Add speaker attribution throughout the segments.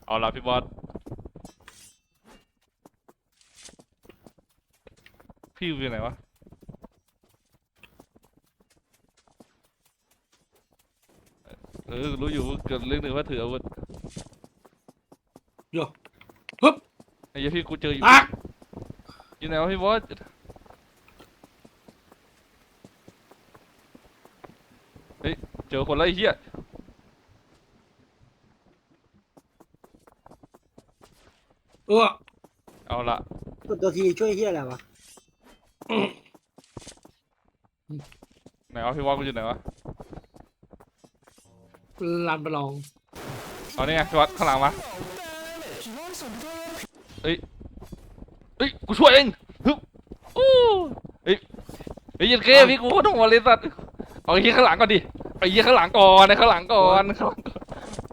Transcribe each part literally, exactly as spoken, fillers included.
Speaker 1: เอาละพี่บอสพี่อยู่ไหนวะเออรู้อยู่เกิดเรื่องหนึ่งว่าถืออาวุธ
Speaker 2: โย่ฮึบ
Speaker 1: ไอ้เหี้ยพี่กูเจออยู่
Speaker 2: อ่ะ
Speaker 1: อยู่ไหนวะพี่บอสเฮ้ยเจอคนแล้วไอ้เหี้ย
Speaker 2: เออ
Speaker 1: เอาละ
Speaker 3: กดตัวทีช่วยเฮียอะไรวะ
Speaker 1: ไหนวะพี่บอสกูอยู่ไหนวะ
Speaker 2: ลานประลอง
Speaker 1: เอานี่ไงพี่บอสข้างหลังมาเฮ้ยเฮ้ยกูช่วยเองฮึบอู้เฮ้ยเฮ้ยยันเก้พี่กูต้องบริษัทเอาไอ้เหี้ยข้างหลังก่อนดิไอ้เหี้ยข้างหลังก่อนไอ้ข้างหลังก่อนข้างหลังก่อน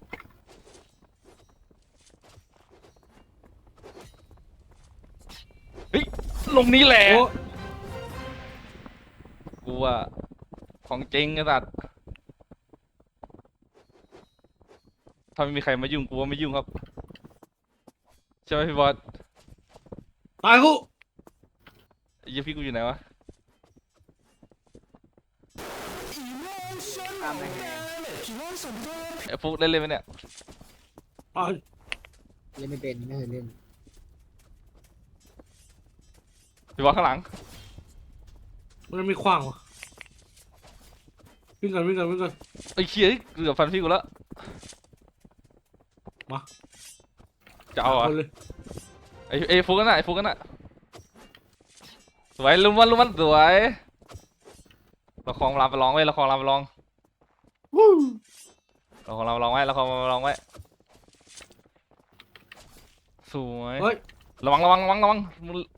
Speaker 1: เฮ้ยลงนี้แหละ
Speaker 2: โอ้
Speaker 1: กูว่าของจริงไอ้สัตว์ถ้าไม่มีใครมายุ่งกูว่าไม่ยุ่งครับใช่ไหมพี่บอส
Speaker 2: ตายกู
Speaker 1: ไอ้เหี้ยพี่กูอยู่ไหนวะ
Speaker 3: ตามแรง
Speaker 1: ไอ้ฟุกเล่นเล่นไหมเนี่ย
Speaker 2: ตาย
Speaker 3: เล่นไม่เป็นไม่เคยเล่น
Speaker 1: พี่บอสข้างหลัง
Speaker 2: มันมีขว้างวะวิ่งกันวิ่งกันวิ่งกัน
Speaker 1: ไอ้เชี่ยเกือบฟันพี่กูแล้ว
Speaker 2: มา
Speaker 1: จะเอาเหรอ
Speaker 2: คนเลย
Speaker 1: ไอ้ไอ้ฟุกกันน่ะไอ้ฟุกกันน่ะสวยลุมมันลุมมันสวยเราคลองรามไปลองไว้เราคลองรามไปลอง
Speaker 2: วู้
Speaker 1: เราคลองรามไปลองไว้เราคลองรามไปลองไว้สวย
Speaker 2: เฮ้ย
Speaker 1: ระวังระวังระวังระวังมึง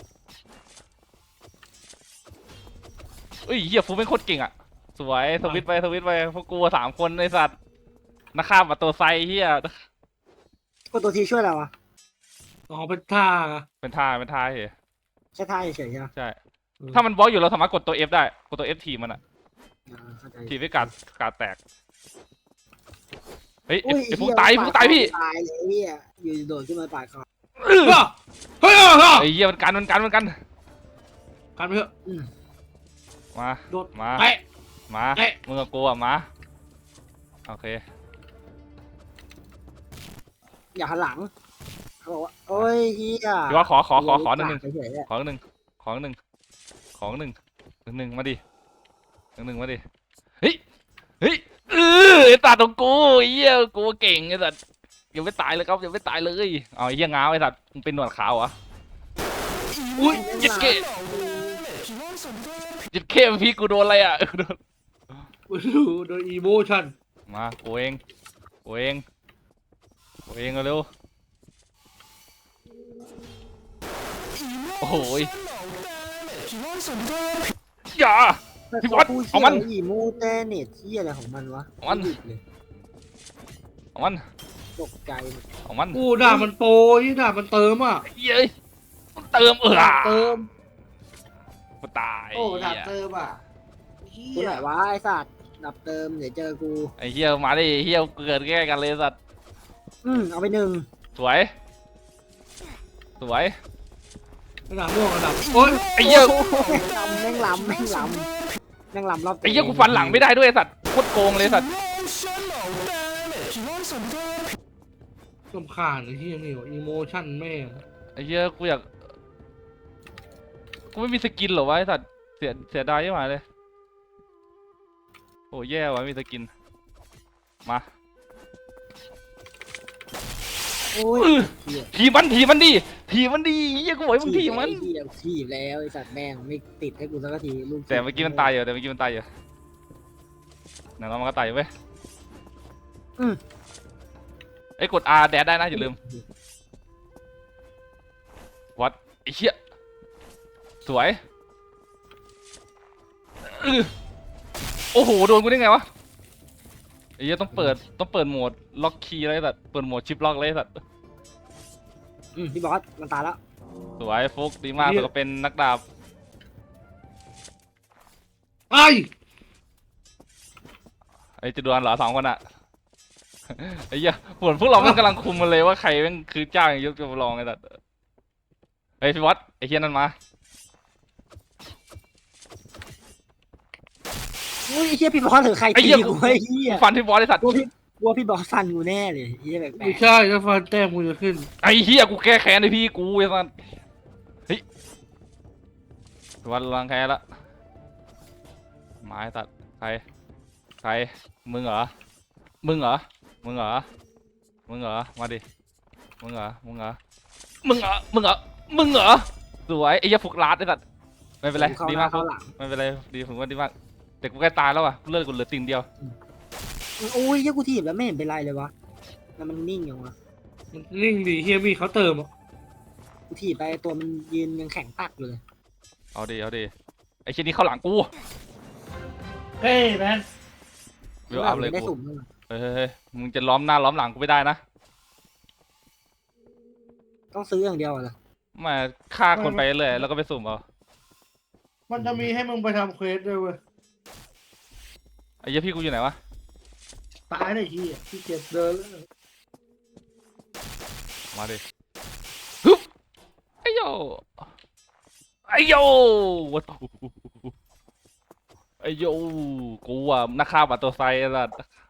Speaker 1: เอ้ยเหี้ยฟุกเป็นโคตรเก่งอ่ะสวยสวิตช์ไปสวิตช์ไปพวกกูสามคนไอ้สัตว์นักฆ่าประตูไซเฮีย
Speaker 3: กดตัวทีช่วยอะไรวะ
Speaker 2: อ๋อเป็นท่าอะ
Speaker 1: เป็นท่าเป็นท่าเฮ้ย
Speaker 3: แค่ท่าเฉยๆใช่ไหม
Speaker 1: ใช่ ถ้ามันบล็อกอยู่เราสามารถกดตัว F ได้กดตัว F ทีมันอะ
Speaker 3: อ่าเข้าใจ
Speaker 1: ทีไม่การการแตกเฮ้ยไอ้
Speaker 3: อุ้ย
Speaker 1: ไอ้ฟุก
Speaker 3: เหี้
Speaker 1: ตายฟุกตายพี่
Speaker 3: ตายเลยเฮียอยู่โดดขึ้นมาปาดคอ
Speaker 2: เฮ้ยเฮ้ยเฮ้ยเฮ้ย
Speaker 1: ไอ้เหี้ยมันกันมันกันมันกัน
Speaker 2: กันไปเถอะ
Speaker 3: อืม
Speaker 1: มา
Speaker 2: โดด
Speaker 1: มา
Speaker 2: เตะ
Speaker 1: มา
Speaker 2: เตะ
Speaker 1: มึงกับกูอะมาโอเค
Speaker 3: อย่าหันหลังเขาบอกว่าโอ้ยเฮีย
Speaker 1: พี่ว่าขอขอขอขอหนึ่งหนึ่ง
Speaker 3: เฉยๆอะ
Speaker 1: ขอหนึ่งขอหนึ่งขอหนึ่งหนึ่งหนึ่งมาดิหนึ่งหนึ่งมาดิเฮ้ยเฮ้ยเออไอ้ตาตรงกูไอ้เหี้ยกูเก่งไอ้สัตว์ยังไม่ตายเลยครับยังไม่ตายเลยเอาไอ้เหี้ยง้าวไอ้สัตว์มึงเป็นหนวดขาวเหรอ
Speaker 2: อุ้ย
Speaker 1: ยิดเก้ยิดเก้พี่กูโดนอะไรอ่ะโดน
Speaker 2: กูดูโดนอีโมชั่น
Speaker 1: มากูเองกูเองกูเองเอาเร็วโอ้โหยอย่า พี่บอสเอามัน
Speaker 3: อีโมเตเน็ตที่อะไรของมันวะ
Speaker 1: เอามัน
Speaker 3: หยุดเลย
Speaker 1: เอามัน
Speaker 3: ตกใจหมด
Speaker 1: เอามัน
Speaker 2: กูด่ามันโปรยี่ด่ามันเติมอ่ะ
Speaker 1: เย้ยมันเติมเออ
Speaker 2: เติม
Speaker 1: กูตาย
Speaker 4: โอ้ดับ
Speaker 1: เหี้ย
Speaker 4: เติมอ่ะเฮี
Speaker 3: กู
Speaker 4: ย
Speaker 3: ไหนวะไอ้สัตว์ดับเติมเดี๋ยวเจอกู
Speaker 1: ไอ้เหี้ยมาดิเหี้ยเกิดแก้กันเลยสัตว์
Speaker 3: อืมเอาไปหนึ่ง
Speaker 1: สวยสวย
Speaker 2: ระดับม่วงระดับโอ้ย
Speaker 1: ไอ้เหี้ย
Speaker 3: แม่งลำแม่งลำแม่งลำแม่งลำรอบ
Speaker 1: ไอ้เหี้ยกูฟันหลังไม่ได้ด้วยไอ้สัตว์โคตรโกงเลยสัตว์
Speaker 2: ลำคาญไอ้ที่นี่วะอีโมชั่นแม่ง
Speaker 1: ไอ้เหี้ยกูอยากกูไม่มีสกินเหรอวะไอ้สัตว์เสียเสียดายยังไงเลยโอ้แย่ว่ะไม่มีสกินมา
Speaker 3: โอ้ย
Speaker 1: อื้อ
Speaker 3: เหี้ย
Speaker 1: ทีมันทีมันดิทีมันดีเหี้ยกูบอกให้มึงทีมัน
Speaker 3: ไอ้เหี้ยถีบแล้วไอ้สัตว์แม่งไม่ติดให้กูสักทีลูก
Speaker 1: แต่เมื่อกี้มันตายอยู่แต่เมื่อกี้มันตายอยู่ไหนเรามันก็ตายอยู่เว้ย
Speaker 3: อืม
Speaker 1: ไอ้ยกด R แดดได้นะอย่าลืมวัดไอ้เหี้ยสวยอื้อโอ้โหโดนกูได้ไงวะไอ้เหี้ยต้องเปิดต้องเปิดโหมดล็อกคีย์อะไรสัตว์เปิดโหมดชิปล็อกเลยสัตว์
Speaker 3: อืมพี่บอสมันตายแล้ว
Speaker 1: สวยฟุกดีมากแต่ก็เป็นนักดาบ
Speaker 2: ไอ้
Speaker 1: ไอ้จะดวลเหรอสองคนอะไอ้เหี้ยเหมือนพวกเราแม่งกำลังคุมมันเลยว่าใครแม่งคือเจ้าอย่างยกจะลองไอ้สัตว์เฮ้ยพี่วัดไอ้เหี้ยนั่นมา
Speaker 3: อุ้ยไอ้เหี้ยพี่บอสหรือใคร
Speaker 1: ไอ้
Speaker 3: ตี
Speaker 1: เหี้ย
Speaker 3: กูไอ้เหี้ย
Speaker 1: ฟันพี่บอสไอ้สัตว์
Speaker 3: กลัวพี่กลัวพี่บอสฟันกูแน่เลยไอ้เหี้ยแปล
Speaker 2: ไม่
Speaker 3: ก
Speaker 2: ใช่ถ้าฟันแต้มกูจะขึ้น
Speaker 1: ไอ้เหี้ยกูแก้แค้นไอ้พี่กูไอ้สัตว์เฮ้ยพี่วัดล้างแค้นละหมาไอ้สัตว์ใครใครมึงเหรอมึงเหรอมึงเหรอมึงเหรอมาดิมึงเหรอมึงเหรอมึงเหรอมึงเหรอมึงเหรอสวยไอ้เหี้ยฟุกลาดไอ้สัตว์ไม่เป็นไร
Speaker 3: ๆเข้า
Speaker 1: ดี
Speaker 3: ห
Speaker 1: มา
Speaker 3: น้าก เข้าหลัง
Speaker 1: ไม่เป็นไรดีผมว่าดีมากแต่กูใกล้ตายแล้วอ่ะเลือดกูเหลือติ่งเดียว
Speaker 3: อุ้ยเหี้ยกูถีบแล้วไม่เห็นเป็นไรเลยวะแล้วมันนิ่งอย่างวะ
Speaker 2: มันนิ่งดีเฮียมีเขาเติมอ่ะ
Speaker 3: กูถีบไปตัวมันยืนยังแข็งปักอยู่เลย
Speaker 1: เอาดิเอาดิไอ้เช่นนี้เข้าหลังกู
Speaker 2: เฮ้ยแมน
Speaker 1: เดี๋ยวอัพเลย
Speaker 3: ได้
Speaker 1: กู
Speaker 3: สุ่มด้วย
Speaker 1: เฮ้ยเฮ้ยเฮ้ยมึงจะล้อมหน้าล้อมหลังกูไม่ได้นะ
Speaker 3: ต้องซื้ออย่างเดียวเหรอ
Speaker 1: มาฆ่าคนไปเลยแล้วก็ไปสุ่มเอา
Speaker 2: มันจะมีให้มึงไปทำเควสด้วยเว้ย
Speaker 1: ไอ้เหี้ยพี่กูอยู่ไหนวะ
Speaker 2: ตายเลยที่ที่เก็บเดินแล้ว
Speaker 1: มาดิฮึบไอ้โยไอ้โยวัดไอ้โยกูอ่ะนักฆ่าบัตรตัวไซไอ้สัส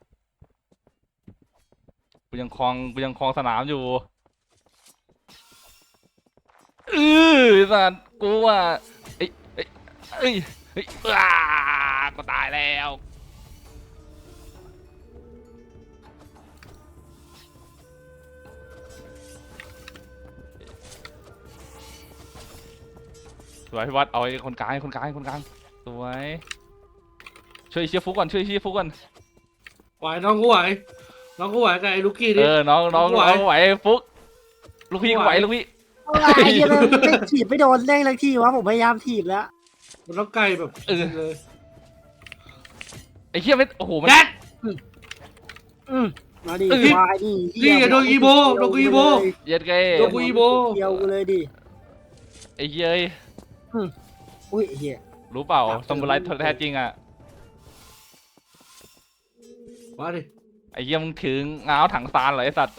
Speaker 1: กูยังคลองกูยังคลองสนามอยู่เออไอ้สัสกูอ่ะไอ้ไอ้ไอ้ไอ้ยอ้าก็ตายแล้วสวยพี่วัดเอาไอ้คนกลางให้คนกลางให้คนกลางสวยช่วยเชียร์ฟุกก่อนช่วยเชียร์ฟุกก่อน
Speaker 2: ไหวน้องกูไหวน้องกูไหวกับไอ้ลูกกี้
Speaker 1: เอ
Speaker 2: ดิ
Speaker 1: อน้องน้อง
Speaker 2: ไหว
Speaker 1: น้องไหวฟุกลูกพี่
Speaker 2: ไหว
Speaker 1: กูไหวลูกพี่
Speaker 3: อะไรไอ้เหี้ยมันไม่ถีบไม่โดนเด้งเลยที่วะผมพยายามถีบแล้ว
Speaker 2: มันต้องไกลแบบ
Speaker 1: เออ
Speaker 2: เลย
Speaker 1: ไอ้เหี้ยไม่โอ้โหมัน
Speaker 2: แจ็ค
Speaker 3: อืมมาดิ
Speaker 1: เออ
Speaker 3: วายดิ
Speaker 2: นี่ไงโดนอีโบโดนอีโบ
Speaker 1: เย็ดไง
Speaker 2: โดนกูอีโบ
Speaker 3: เดียวกูเลยดิ
Speaker 1: ไอ้เหี้ยเอ้ย
Speaker 3: อุ้ยไอ้เหี้ย
Speaker 1: รู้เปล่า
Speaker 3: ครับ
Speaker 1: สมุไรแท้จริงอ่ะ
Speaker 2: มาดิ
Speaker 1: ไอ้เหี้ยมึงถึงง้าวถังซานเหรอไอ้สัตว์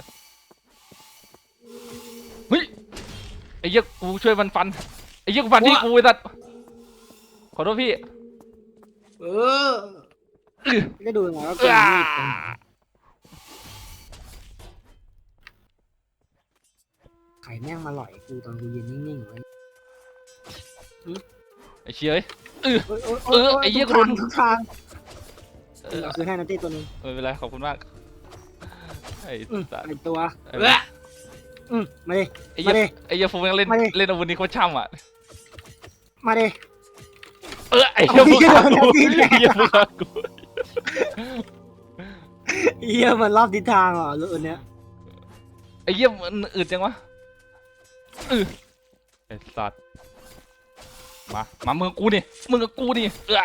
Speaker 1: เฮ้ยไอ้เหี้ยกูช่วยมันฟันไอ้เหี้ยกูฟันที่กูไอ้สัตว์ขอโทษพี่
Speaker 2: เออ
Speaker 3: ก็ดูยังไงว่า
Speaker 1: เอ
Speaker 3: เกิน
Speaker 1: อ
Speaker 3: มีดเป็นไข่แม่งมาหล่อยกูตอนกูยืนนิ่งๆไว้
Speaker 1: ไอ้เชี่ยเอ้ย
Speaker 3: โอ๊ยโอ๊ยโ
Speaker 1: เออไอ้เหี้ย
Speaker 3: ทุกทาง
Speaker 1: กูโดน
Speaker 3: ทุกทาง
Speaker 1: เออ
Speaker 3: เอาคือให้นาตี้ตัวหนึง
Speaker 1: ไม่เป็นไรขอบคุณมากไอ้
Speaker 3: อืม
Speaker 1: สัตว์
Speaker 3: ไอตัว
Speaker 1: ไอ้
Speaker 2: เออ
Speaker 3: อืมมาดิ
Speaker 1: ไอ้เหี้ย
Speaker 3: มาดิ
Speaker 1: ไอ้เหี้ยฟูแม่งเล่น
Speaker 3: มาดิ
Speaker 1: เล่นอาวุธนี้โคตรช่ำอ่ะ
Speaker 3: มาดิ
Speaker 1: เออไอ้เหี้ย
Speaker 3: เอา
Speaker 1: ฟู
Speaker 3: เหี้ย
Speaker 1: ฆ่ากู
Speaker 3: โดนแล้ว
Speaker 1: ไอ้เหี้ยฟูฆ่ากู
Speaker 3: เฮียมันรอบทิศทางเหรอรุ่นเนี้ย
Speaker 1: ไอ้เหี้ยมันอึดจังวะเออไอ้สัตว์มามามึงกับกูนี่มึงกับกูนี่เออ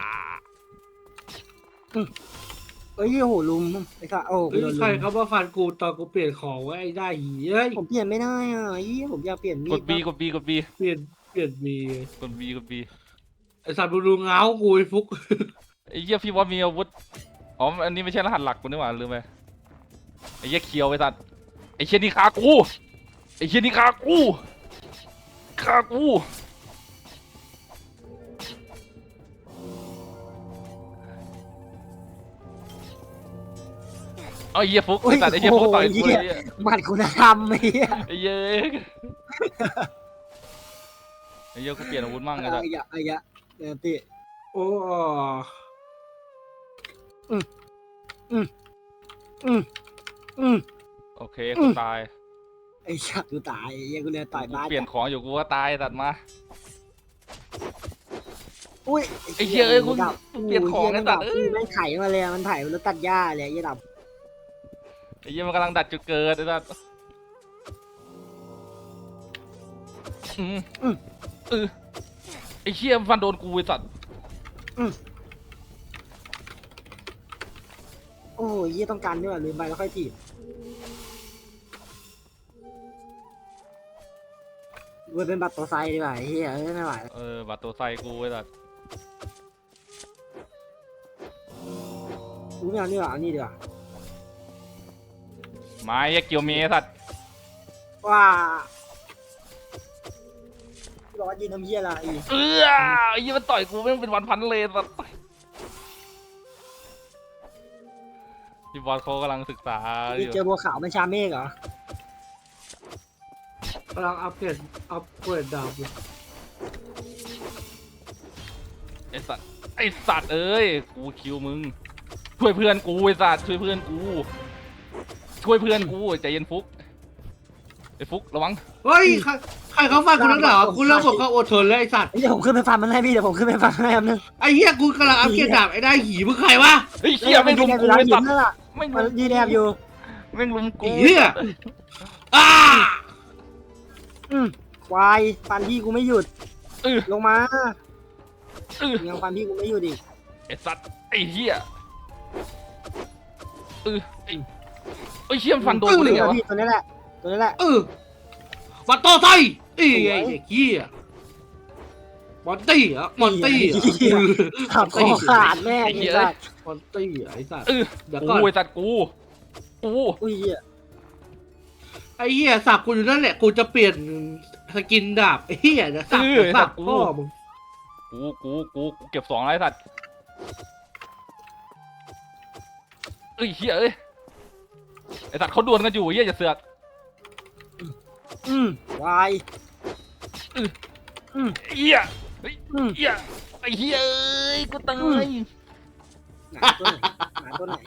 Speaker 3: เอ้ยโหลุมไอ้สัสโอ้กู
Speaker 2: เฮ้ย
Speaker 3: โดน
Speaker 2: ใคร
Speaker 3: ลุม
Speaker 2: เขามาฟันกูตอนกูเปลี่ยนของไว้ไอ้ได้หีเอ้ย
Speaker 3: ผมเปลี่ยนไม่ได้อ่ะเฮียผมอยากเปลี่ยนมี
Speaker 1: ก
Speaker 3: ด
Speaker 1: ดบีกดบีกดบี
Speaker 2: เปลี่ยนเปลี่ยนมี
Speaker 1: กดบีกดบี
Speaker 2: ไอ้สัตว์มึงดูเงากูไอ้ฟุก
Speaker 1: ไอ้เหี้ยพี่ว่ามีอาวุธอ๋ออันนี้ไม่ใช่รหัสหลักกูนี่หว่าลืมไปไอ้เหี้ยเคียวไอ้สัตว์ไอ้เชี่ยนี่ฆ่ากูไอ้เชี่ยนี่ฆ่ากูฆ่ากูเอาไอ้เหี้ยฟุกไอ้สัตว์ไอ้เหี้ยฟุกต่อยกูเลยไอ้เหี้ย
Speaker 3: หมัดคุณธรรมไอ้เฮีย
Speaker 1: ไอ้เหี้ยไอ้เหี้ยกูเปลี่ยนอาวุธมั่งไง
Speaker 3: ไอ้
Speaker 1: สัตว์
Speaker 3: ยะไอ้ยะเดี๋ยวติ
Speaker 2: โอ้
Speaker 3: อืมอืม
Speaker 1: โอเคกูตาย
Speaker 3: ไอ้ชักกูตายไอ้เฮียกูเลยต่อย
Speaker 1: กู
Speaker 3: บ้าน
Speaker 1: เปลี่ยนของอยู่กูก็ตายตัดมา
Speaker 3: อุ้ย
Speaker 1: ไอ้เหี้ยเอ้ยกู
Speaker 3: ดับ
Speaker 1: กูเปลี่ยนของไอ้สัตว์
Speaker 3: เอ้
Speaker 1: เอ้ย
Speaker 3: ยมันไถมาเลยมันไถมันแล้วตัดหญ้าเลยไอ้เหี้ยดับ
Speaker 1: ไอ้เหี้ยมันกำลังดัดจุดเกิดไอ้สัตว์อืมอืมเออไอ้เหี้ยมันฟันโดนกูไอ้สัตว์
Speaker 3: โอ้ยเฮียต้องการด้วยลืมไปแล้วค่อยถีบกูเป็นบัตรตัวไซดีกว่าไอ้เฮียเอ้ยไม่ไหวแล้ว
Speaker 1: เออบัตรตัวไซกูไอ้สัตว์
Speaker 3: กูไม่เอานี่หรอกเอานี่ดีกว่า
Speaker 1: ไม้เกี่ยวเมสัตว์
Speaker 3: ว้าร้อนยืนทำเหี้ยอะไร
Speaker 1: เออไอ้ยี่มันต่อยกูแม่งเป็นวันพันเลยสัตว์พี่บอลเขากำลังศึกษาอ
Speaker 3: นี่
Speaker 1: ยู่
Speaker 3: เจอบัวขาวเป็นชาเมฆเหรอก
Speaker 2: ำลังอัปเกรดอัปเกรดดาบอยู่
Speaker 1: ไอสัตว์ไอสัตว์เอ้ยกูคิวมึงช่วยเพื่อนกูไอสัตว์ช่วยเพื่อนกูช่วยเพื่อนกูใจเย็นฟุกไอฟุกระวัง
Speaker 2: เฮ้ยใครใครเขาฟังกูนักหนากูเริ่มบอกเขาอดทนแล้วไอ้สัตว์
Speaker 3: เดี๋ยวผมขึ้นไปฟันมันให้พี่เดี๋ยวผมขึ้นไปฟันมันให้แป๊บนึง
Speaker 2: ไอ้เหี้ยกูกำลังอัปเกรดดาบไอ้ได้หีมึงใครวะ
Speaker 1: เฮ้ยเชี่ยไม่งลุมกู
Speaker 3: ร้าน
Speaker 1: ไอ
Speaker 3: หิ
Speaker 1: สั
Speaker 3: น
Speaker 1: ตว์
Speaker 3: นั่นแหละ
Speaker 1: ไม่ง
Speaker 3: มัน
Speaker 1: ลุม
Speaker 3: ยืนแอบอยู่
Speaker 1: ไม่งลุม
Speaker 2: ไอ้
Speaker 1: กู
Speaker 2: เหี้ยอ้า
Speaker 3: อืมควายฟันพี่กูไม่หยุด
Speaker 1: เออ
Speaker 3: ลงมา
Speaker 1: เออ
Speaker 3: ยังฟันพี่กูไม่หยุดอีก
Speaker 1: ไอสัตว์ไอเหี้ยเออไอไอเชี่ยมันฟันโดนกูได้ไงวะ
Speaker 3: พี่ตัวนี้แหละตัวนี้แหละ
Speaker 2: เออวัดโตไซไอ้ไอ้เหี้ยมอนตี้เหรอมอนตี้เหรอ
Speaker 3: ขับคอขาดแม่งไอ้สัส
Speaker 2: มอนตี้เหรอไอ้สัตว์
Speaker 1: เออ
Speaker 2: เดี๋ยว
Speaker 1: กู
Speaker 2: ก่อน
Speaker 1: ไอสัตว์กูกู
Speaker 3: อุ้ยเหี้ย
Speaker 2: ไอ้เหี้ยสับกูอยู่นั่นแหละกูจะเปลี่ยนสกินดาบไอ้เหี้ยนะสับสับพ่อมึง
Speaker 1: กูกูกูกูเก็บสองแล้วไอสัตว์เอ้ยเหี้ยเอ้ยไอสัตว์เขาดวลกันอยู่เหี้ยอย่าเสือก
Speaker 3: อืมควายอืม
Speaker 1: เหี้ยเฮ้ย
Speaker 3: อืม
Speaker 1: เหี้ยไอเหี้ยเอ้ยกูตาย
Speaker 3: หนาตัวไหนหนาตัวไหน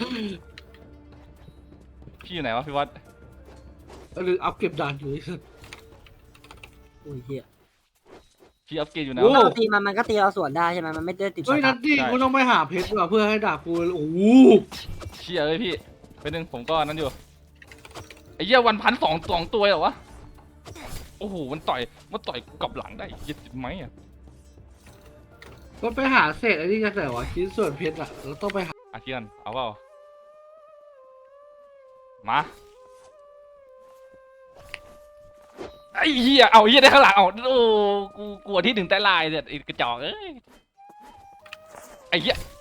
Speaker 1: พี่อยู่ไหนวะพี่วัด
Speaker 2: หรืออัพเก็บดาบอยู่ไอ้สัตว์
Speaker 3: อุ้ยเหี้ย
Speaker 1: พี่อัพเกรดอยู่ไหน
Speaker 2: โอ้
Speaker 1: วะ
Speaker 3: เราตีมันมันก็ตีเราสวนได้ใช่ไหมมันไม่ได้ติดส
Speaker 2: เฮ้ย
Speaker 3: กั
Speaker 2: นั
Speaker 3: ด
Speaker 2: ตตี้กูต้องไปหาเพชรว่ะเพื่อให้ดาบกูโอ้โห
Speaker 1: เชี่ยเอ้ยพี่ไปหนึ่งผมก็นั้นอยู่ไอ้เหี้ยวันพันสองสองตัวเหรอวะโอ้โหมันต่อยมันต่อยกูกลับหลังได้ยี่สิบไหมอ่ะ
Speaker 2: ก็ไปหาเศษไอ้นี่กันแต่ว่าชิ้นส่วนเพชรอ่ะเราต้องไปหา
Speaker 1: อาเคียนเอาเปล่ามาไอ้เหี้ยเอาไอ้เหี้ยได้ข้างหลังเอาโอ้กูกลัวที่หนึ่งใต้ลายเนี่ยไอ้กระจอกเอ้ยไอ้เหี้ย